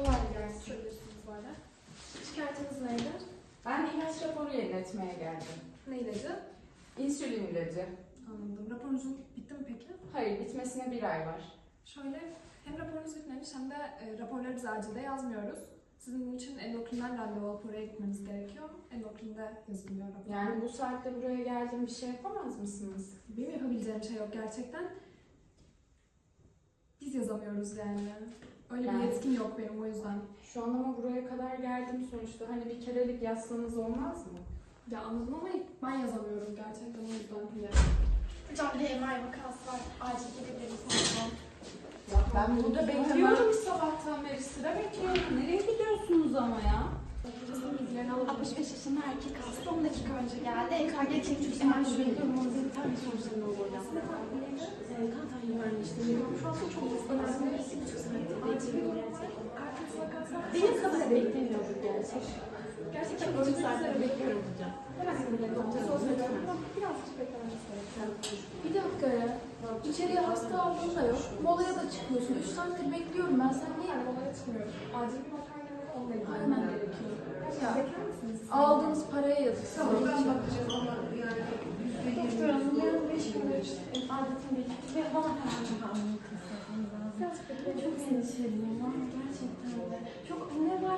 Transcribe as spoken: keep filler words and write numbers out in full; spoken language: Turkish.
Kolay gelsin. Söylüyorsunuz böyle. Şikayetiniz neydi? Ben ilaç raporu yeniletmeye geldim. Ne ilacı? İnsülin ilacı. Anladım. Raporunuzun bitti mi peki? Hayır, bitmesine bir ay var. Şöyle, hem raporunuz bitmemiş hem de e, raporları biz acilde yazmıyoruz. Sizin bunun için endokrinden randevu alıp oraya gitmeniz gerekiyor. Endokrinde yazılıyor rapor. Yani bu saatte buraya geldim, bir şey yapamaz mısınız? Benim yapabileceğim şey yok gerçekten. Biz yazamıyoruz yani. Öyle Yani- bir yetkim yok benim o yüzden. Şu an ama buraya kadar geldim sonuçta. Hani bir kerelik yazsanız olmaz mı? Ya anladım ama ben yazamıyorum gerçekten o yüzden. Hocam bir M R vakası var. Acil gidebilir misiniz? Ya ben burada bekliyorum sabahtan beri. Sıra bekliyorum. Nereye gidiyorsunuz ama ya? Hocasının bilgilerini alalım. altmış beş yaşında erkek hasta on dakika önce geldi. E K G çekmiş. Hemen şuraya gidiyorum. Onun bir tane sonuçlarını olacağım. Ee, kan tahlili vermiştim. Şu an çok hızlı. Aslında iki buçuk saatte bekliyorum gerçekten. Benim kadar beklemiyorum gerçekten. Gerçekten iki buçuk saatte bekliyorum hocam. Hemen sinirlerim doktor söylüyorum. Birazcık beklememiz gerekiyor. Bir dakika ya. İçeriye hasta aldığın da yok. Molaya da çıkmıyorsun. Üç saattir bekliyorum ben. Sen niye yani molaya çıkmıyorum? Acil bir makarna var. Onunla ilgilenmem gerekiyor. Ya, bekler misiniz? Aldığınız paraya yazık. Tamam ben bakacağım ama yani. Doktor hanım yarın beş gündür adetini bekliyor. Ve bana hemen çok anlatın. Çok endişeliyim ama gerçekten de. Çok ne var?